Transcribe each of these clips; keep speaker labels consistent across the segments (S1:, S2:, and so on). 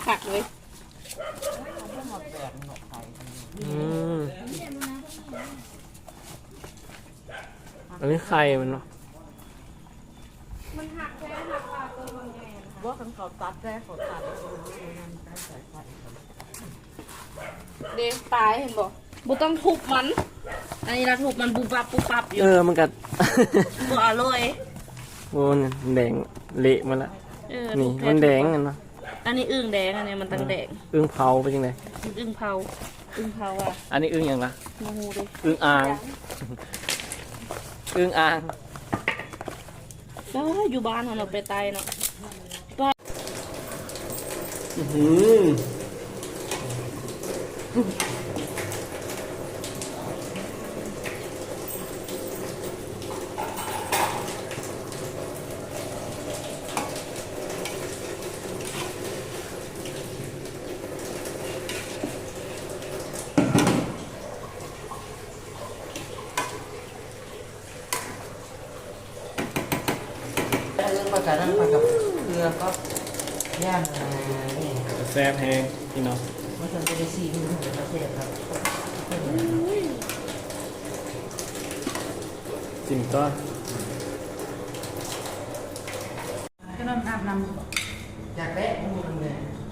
S1: ขักเลย
S2: อันนี้ไข่มันเนาะ
S1: มันหักแค่หักปลาตัวมันไงว่าคันเขาตัดแค่เขาตัดเด็กตายเห็นบอกบุต้องทุบมันอันนี้เราทุบมันบุบปับบุบปับอยู่
S2: มันกัด
S1: บัวอร่อย
S2: โอ้ยแดงเละมาละนี่มันแดงกันเนาะ
S1: อันนี้อึ่งแดงอันนี้มันตั้งแดง
S2: อึ่งเผาไปยังไง
S1: อึ่งเผาอ่ะ
S2: อันนี้อึ่งอย่างละ
S1: โมโหดิ
S2: อึ่งอ่างอึ่งอ่าง
S1: ก็อยู่บ้านเราไปไต่เนาะ
S3: ปลากระนั้นปลากับเรือก็ย่างนี่
S2: แซ่บแห้งพี่น้อง
S3: เมื่อคืนจะได้ซีดูเป็นประเทศครับ
S2: จริงก็
S3: ก็น้ำอาบน้ำอยากแวะมูนเลย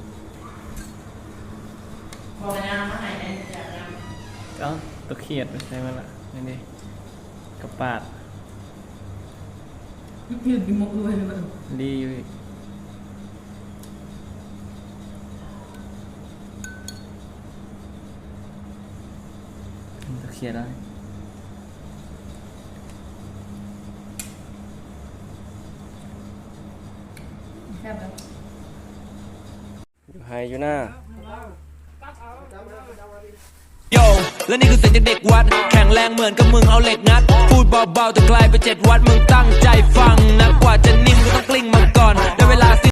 S3: พอแล้วมาให้เนี่ยอยากน้
S2: ำก็ตะเขียดใช่ไหมล่ะนี่กระปาด
S3: ยืดกินมุกด้วยนะ
S2: ดีอยู่ตะเขียดได้อยู่ไฮอยู่หน้า
S4: โยและนี่คือเสียงจากเด็กวัดแข็งแรงเหมือนกับมึงเอาเหล็กงัดพูดเบาๆแต่ไกลไป7 วัดมึงตั้งใจฟังนะกว่าจะนิ่มก็ต้องกลิ้งมาก่อนได้เวลา